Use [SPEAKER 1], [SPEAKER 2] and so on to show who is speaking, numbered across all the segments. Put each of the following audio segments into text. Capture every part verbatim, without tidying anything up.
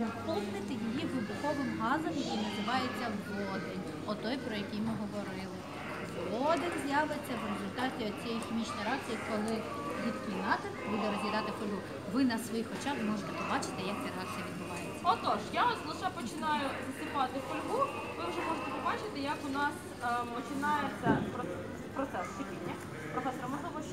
[SPEAKER 1] наповнити її вибуховим газом, який називається водень, отой, про який ми говорили. Водень з'явиться в результаті цієї хімічної реакції, коли рідкий натиск буде роз'їдати фольгу. Ви на своїх очах можете побачити, як ця реакція відбувається.
[SPEAKER 2] Отож, я ось лише починаю засипати фольгу, ви вже можете побачити, як у нас е, починається процес шипіння. Професор, можливо, ще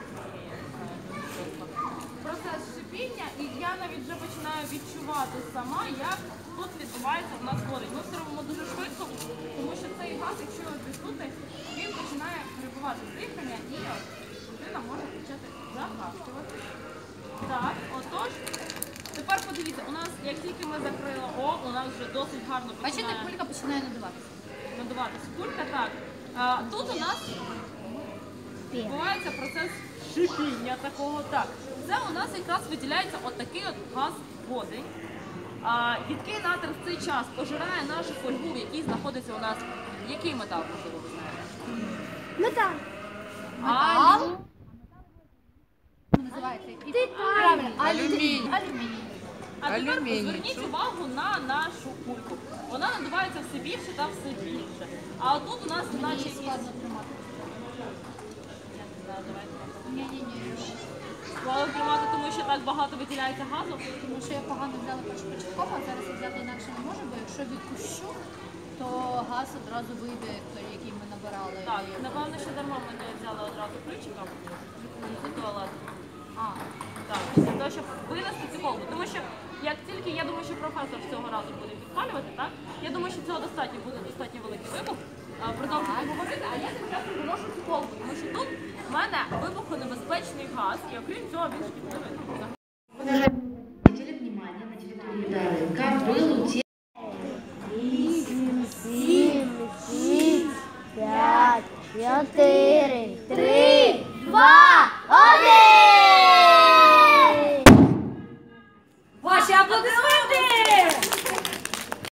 [SPEAKER 2] процес шипіння, і я навіть вже починаю відчувати сама, як тут відбувається у нас водень. Ми все робимо дуже швидко, тому що цей газ, якщо його відпустити, він починає перебувати дихання і людина може почати загашувати. Так, отож, тепер подивіться, у нас, як тільки ми закрили О, у нас вже досить гарно починає...
[SPEAKER 1] Бачите, кулька починає надуватися.
[SPEAKER 2] Надуватися кулька, так. А, тут у нас відбувається процес шипіння такого. Так. Це у нас якраз виділяється отакий от газ водень. А, Рідкий натиск в цей час пожирає нашу фольгу, в якій знаходиться у нас... Який метал, можливо, ви знаєте?
[SPEAKER 3] Метал.
[SPEAKER 1] Метал. Називається правильно.
[SPEAKER 4] Алюміній.
[SPEAKER 1] Алюміній.
[SPEAKER 2] А тепер
[SPEAKER 4] Алюміній.
[SPEAKER 2] зверніть увагу на нашу кульку. Вона надувається все більше та все більше. А отут у нас наче
[SPEAKER 1] Мені
[SPEAKER 2] якісь...
[SPEAKER 1] складно тримати. Ні-ні-ні.
[SPEAKER 2] Складно тримати, тому що так багато виділяється газу.
[SPEAKER 1] Тому що я погано взяла початково, а зараз я взяти інакше не можу, бо якщо відпущу, то газ одразу вийде, той, який ми набирали.
[SPEAKER 2] Так, напевно, що дарма ми не взяли одразу ключика з туалету. А, так, після того, щоб винести цю колбу. Тому що, як тільки, я думаю, що професор цього разу буде підпалювати, так? Я думаю, що цього достатньо буде достатньо великий вибух. Продовжуйте говорити, а я тим часом виношу цю колбу, тому що тут в мене вибухонебезпечний газ, і окрім цього він шкідливий.
[SPEAKER 5] Обратите внимание, на территории Дарынка был утек.
[SPEAKER 3] Вісім, сім, шість, п'ять, чотири, три, два, один.